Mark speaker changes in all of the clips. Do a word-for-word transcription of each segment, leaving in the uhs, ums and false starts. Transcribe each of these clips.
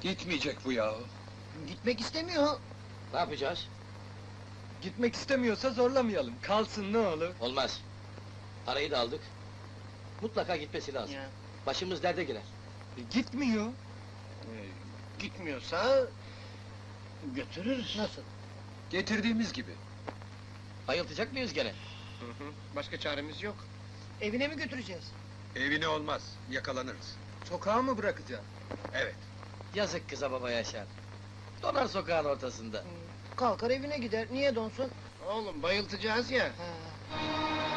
Speaker 1: Gitmeyecek bu ya.
Speaker 2: Gitmek istemiyor.
Speaker 3: Ne yapacağız?
Speaker 1: Gitmek istemiyorsa zorlamayalım. Kalsın ne olur.
Speaker 3: Olmaz. Parayı da aldık. Mutlaka gitmesi lazım.
Speaker 2: Ya.
Speaker 3: Başımız derde girer.
Speaker 1: E, gitmiyor.
Speaker 2: Ee, gitmiyorsa... götürürüz. Nasıl?
Speaker 1: Getirdiğimiz gibi.
Speaker 3: Ayıltacak mıyız gene?
Speaker 4: Hı hı, başka çaremiz yok.
Speaker 2: Evine mi götüreceğiz?
Speaker 4: Evine olmaz, yakalanırız.
Speaker 1: Sokağa mı bırakacağım?
Speaker 4: Evet.
Speaker 3: Yazık kıza baba Yaşar. Donar sokağın ortasında.
Speaker 2: Kalkar evine gider, niye donsun?
Speaker 4: Oğlum bayıltacağız ya.
Speaker 2: Ha.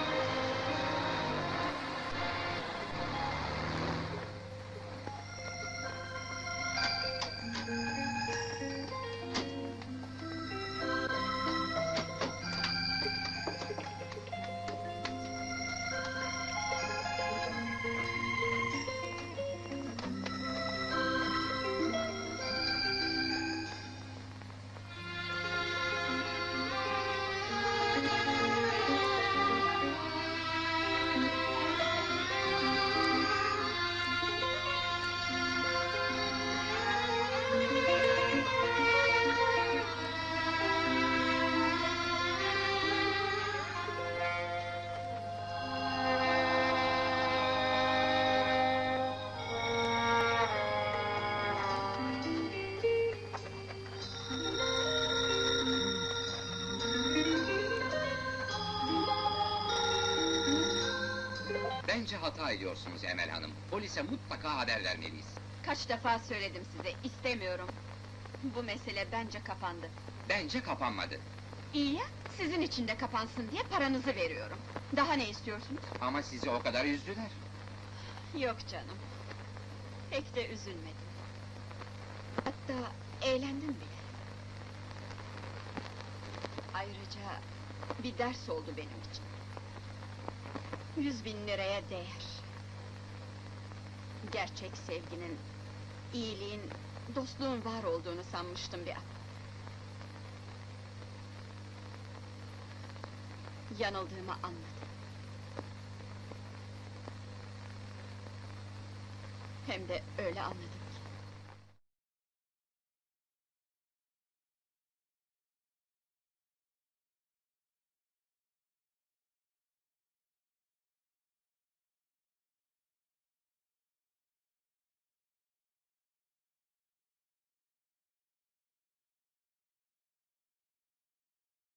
Speaker 5: Bence hata ediyorsunuz Emel Hanım. Polise mutlaka haber vermeliyiz.
Speaker 6: Kaç defa söyledim size, istemiyorum. Bu mesele bence kapandı.
Speaker 5: Bence kapanmadı.
Speaker 6: İyi ya, sizin için de kapansın diye paranızı veriyorum. Daha ne istiyorsunuz?
Speaker 5: Ama sizi o kadar üzdüler.
Speaker 6: Yok canım. Pek de üzülmedim. Hatta eğlendim bile. Ayrıca bir ders oldu benim için. Yüz bin liraya değer. Gerçek sevginin, iyiliğin, dostluğun var olduğunu sanmıştım bir an. Yanıldığımı anladım. Hem de öyle anladım